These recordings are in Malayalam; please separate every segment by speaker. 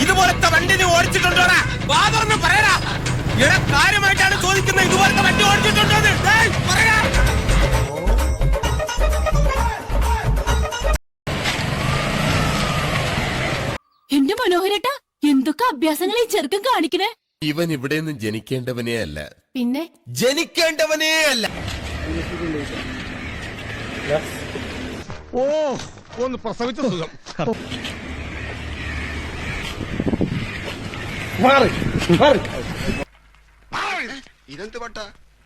Speaker 1: ഇതുപോലത്തെ വണ്ടി നീ ഓടിച്ചിട്ടുണ്ടോടാ? വാതൊന്ന് പറയടാ. ഇവിടെ കാര്യമായിട്ടാണ് ചോദിക്കുന്നത്. ഇതുപോലത്തെ വണ്ടി ഓടിച്ചിട്ടുണ്ടോ? പറയാ.
Speaker 2: എന്റെ മനോഹരേട്ടാ, എന്തൊക്കെ അഭ്യാസങ്ങൾ ഈ ചെറുക്കൻ കാണിക്കണേ.
Speaker 3: ഇവൻ ഇവിടെ നിന്ന് ജനിക്കേണ്ടവനേ അല്ല,
Speaker 2: പിന്നെ
Speaker 3: ജനിക്കേണ്ടവനേ അല്ല.
Speaker 4: ഓ ഒന്ന് പ്രസവിച്ച സുഖം.
Speaker 3: ഇതെന്ത് പട്ടാ?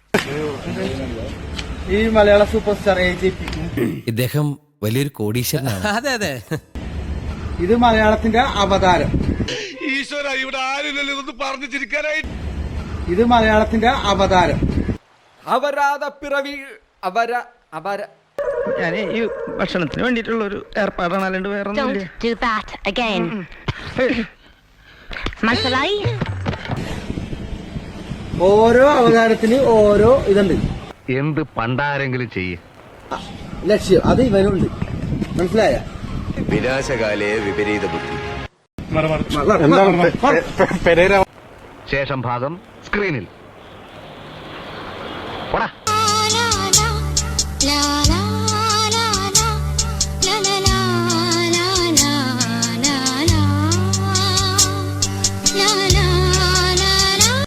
Speaker 5: ഈ മലയാള സൂപ്പർ സ്റ്റാർ AJP.
Speaker 6: ഇദ്ദേഹം വലിയൊരു കോടീശ്വരനാണ്.
Speaker 1: അതെ അതെ.
Speaker 5: ഇത് മലയാളത്തിന്റെ അവതാരം.
Speaker 4: ഈശ്വര, ഇവിടെ ആരില്ലല്ലോ ഇതൊന്ന് പറഞ്ഞു ചിരിക്കാനായി.
Speaker 5: ഇത് മലയാളത്തിന്റെ അവതാരം.
Speaker 7: അപരാധ പിറവി
Speaker 8: ഞാൻ ഈ ഭക്ഷണത്തിന് വേണ്ടിയിട്ടുള്ള ഒരു ഏർപ്പാടാണ്, അല്ലാണ്ട് വേറെ ഒന്നുമില്ല.
Speaker 2: Don't do that again. മനസ്സിലായി?
Speaker 5: ഓരോ അവതാരത്തിന് ഓരോ ഇതുണ്ട്,
Speaker 9: എന്ത് പണ്ടാരെങ്കിലും ചെയ്യേ.
Speaker 5: ലക്ഷ്യം. അത് ഇവനുണ്ട്. മനസ്സിലായ?
Speaker 3: വിനാശകാലേ വിപരീത ബുദ്ധി.
Speaker 9: ശേഷം ഭാഗം സ്ക്രീനിൽ.
Speaker 2: La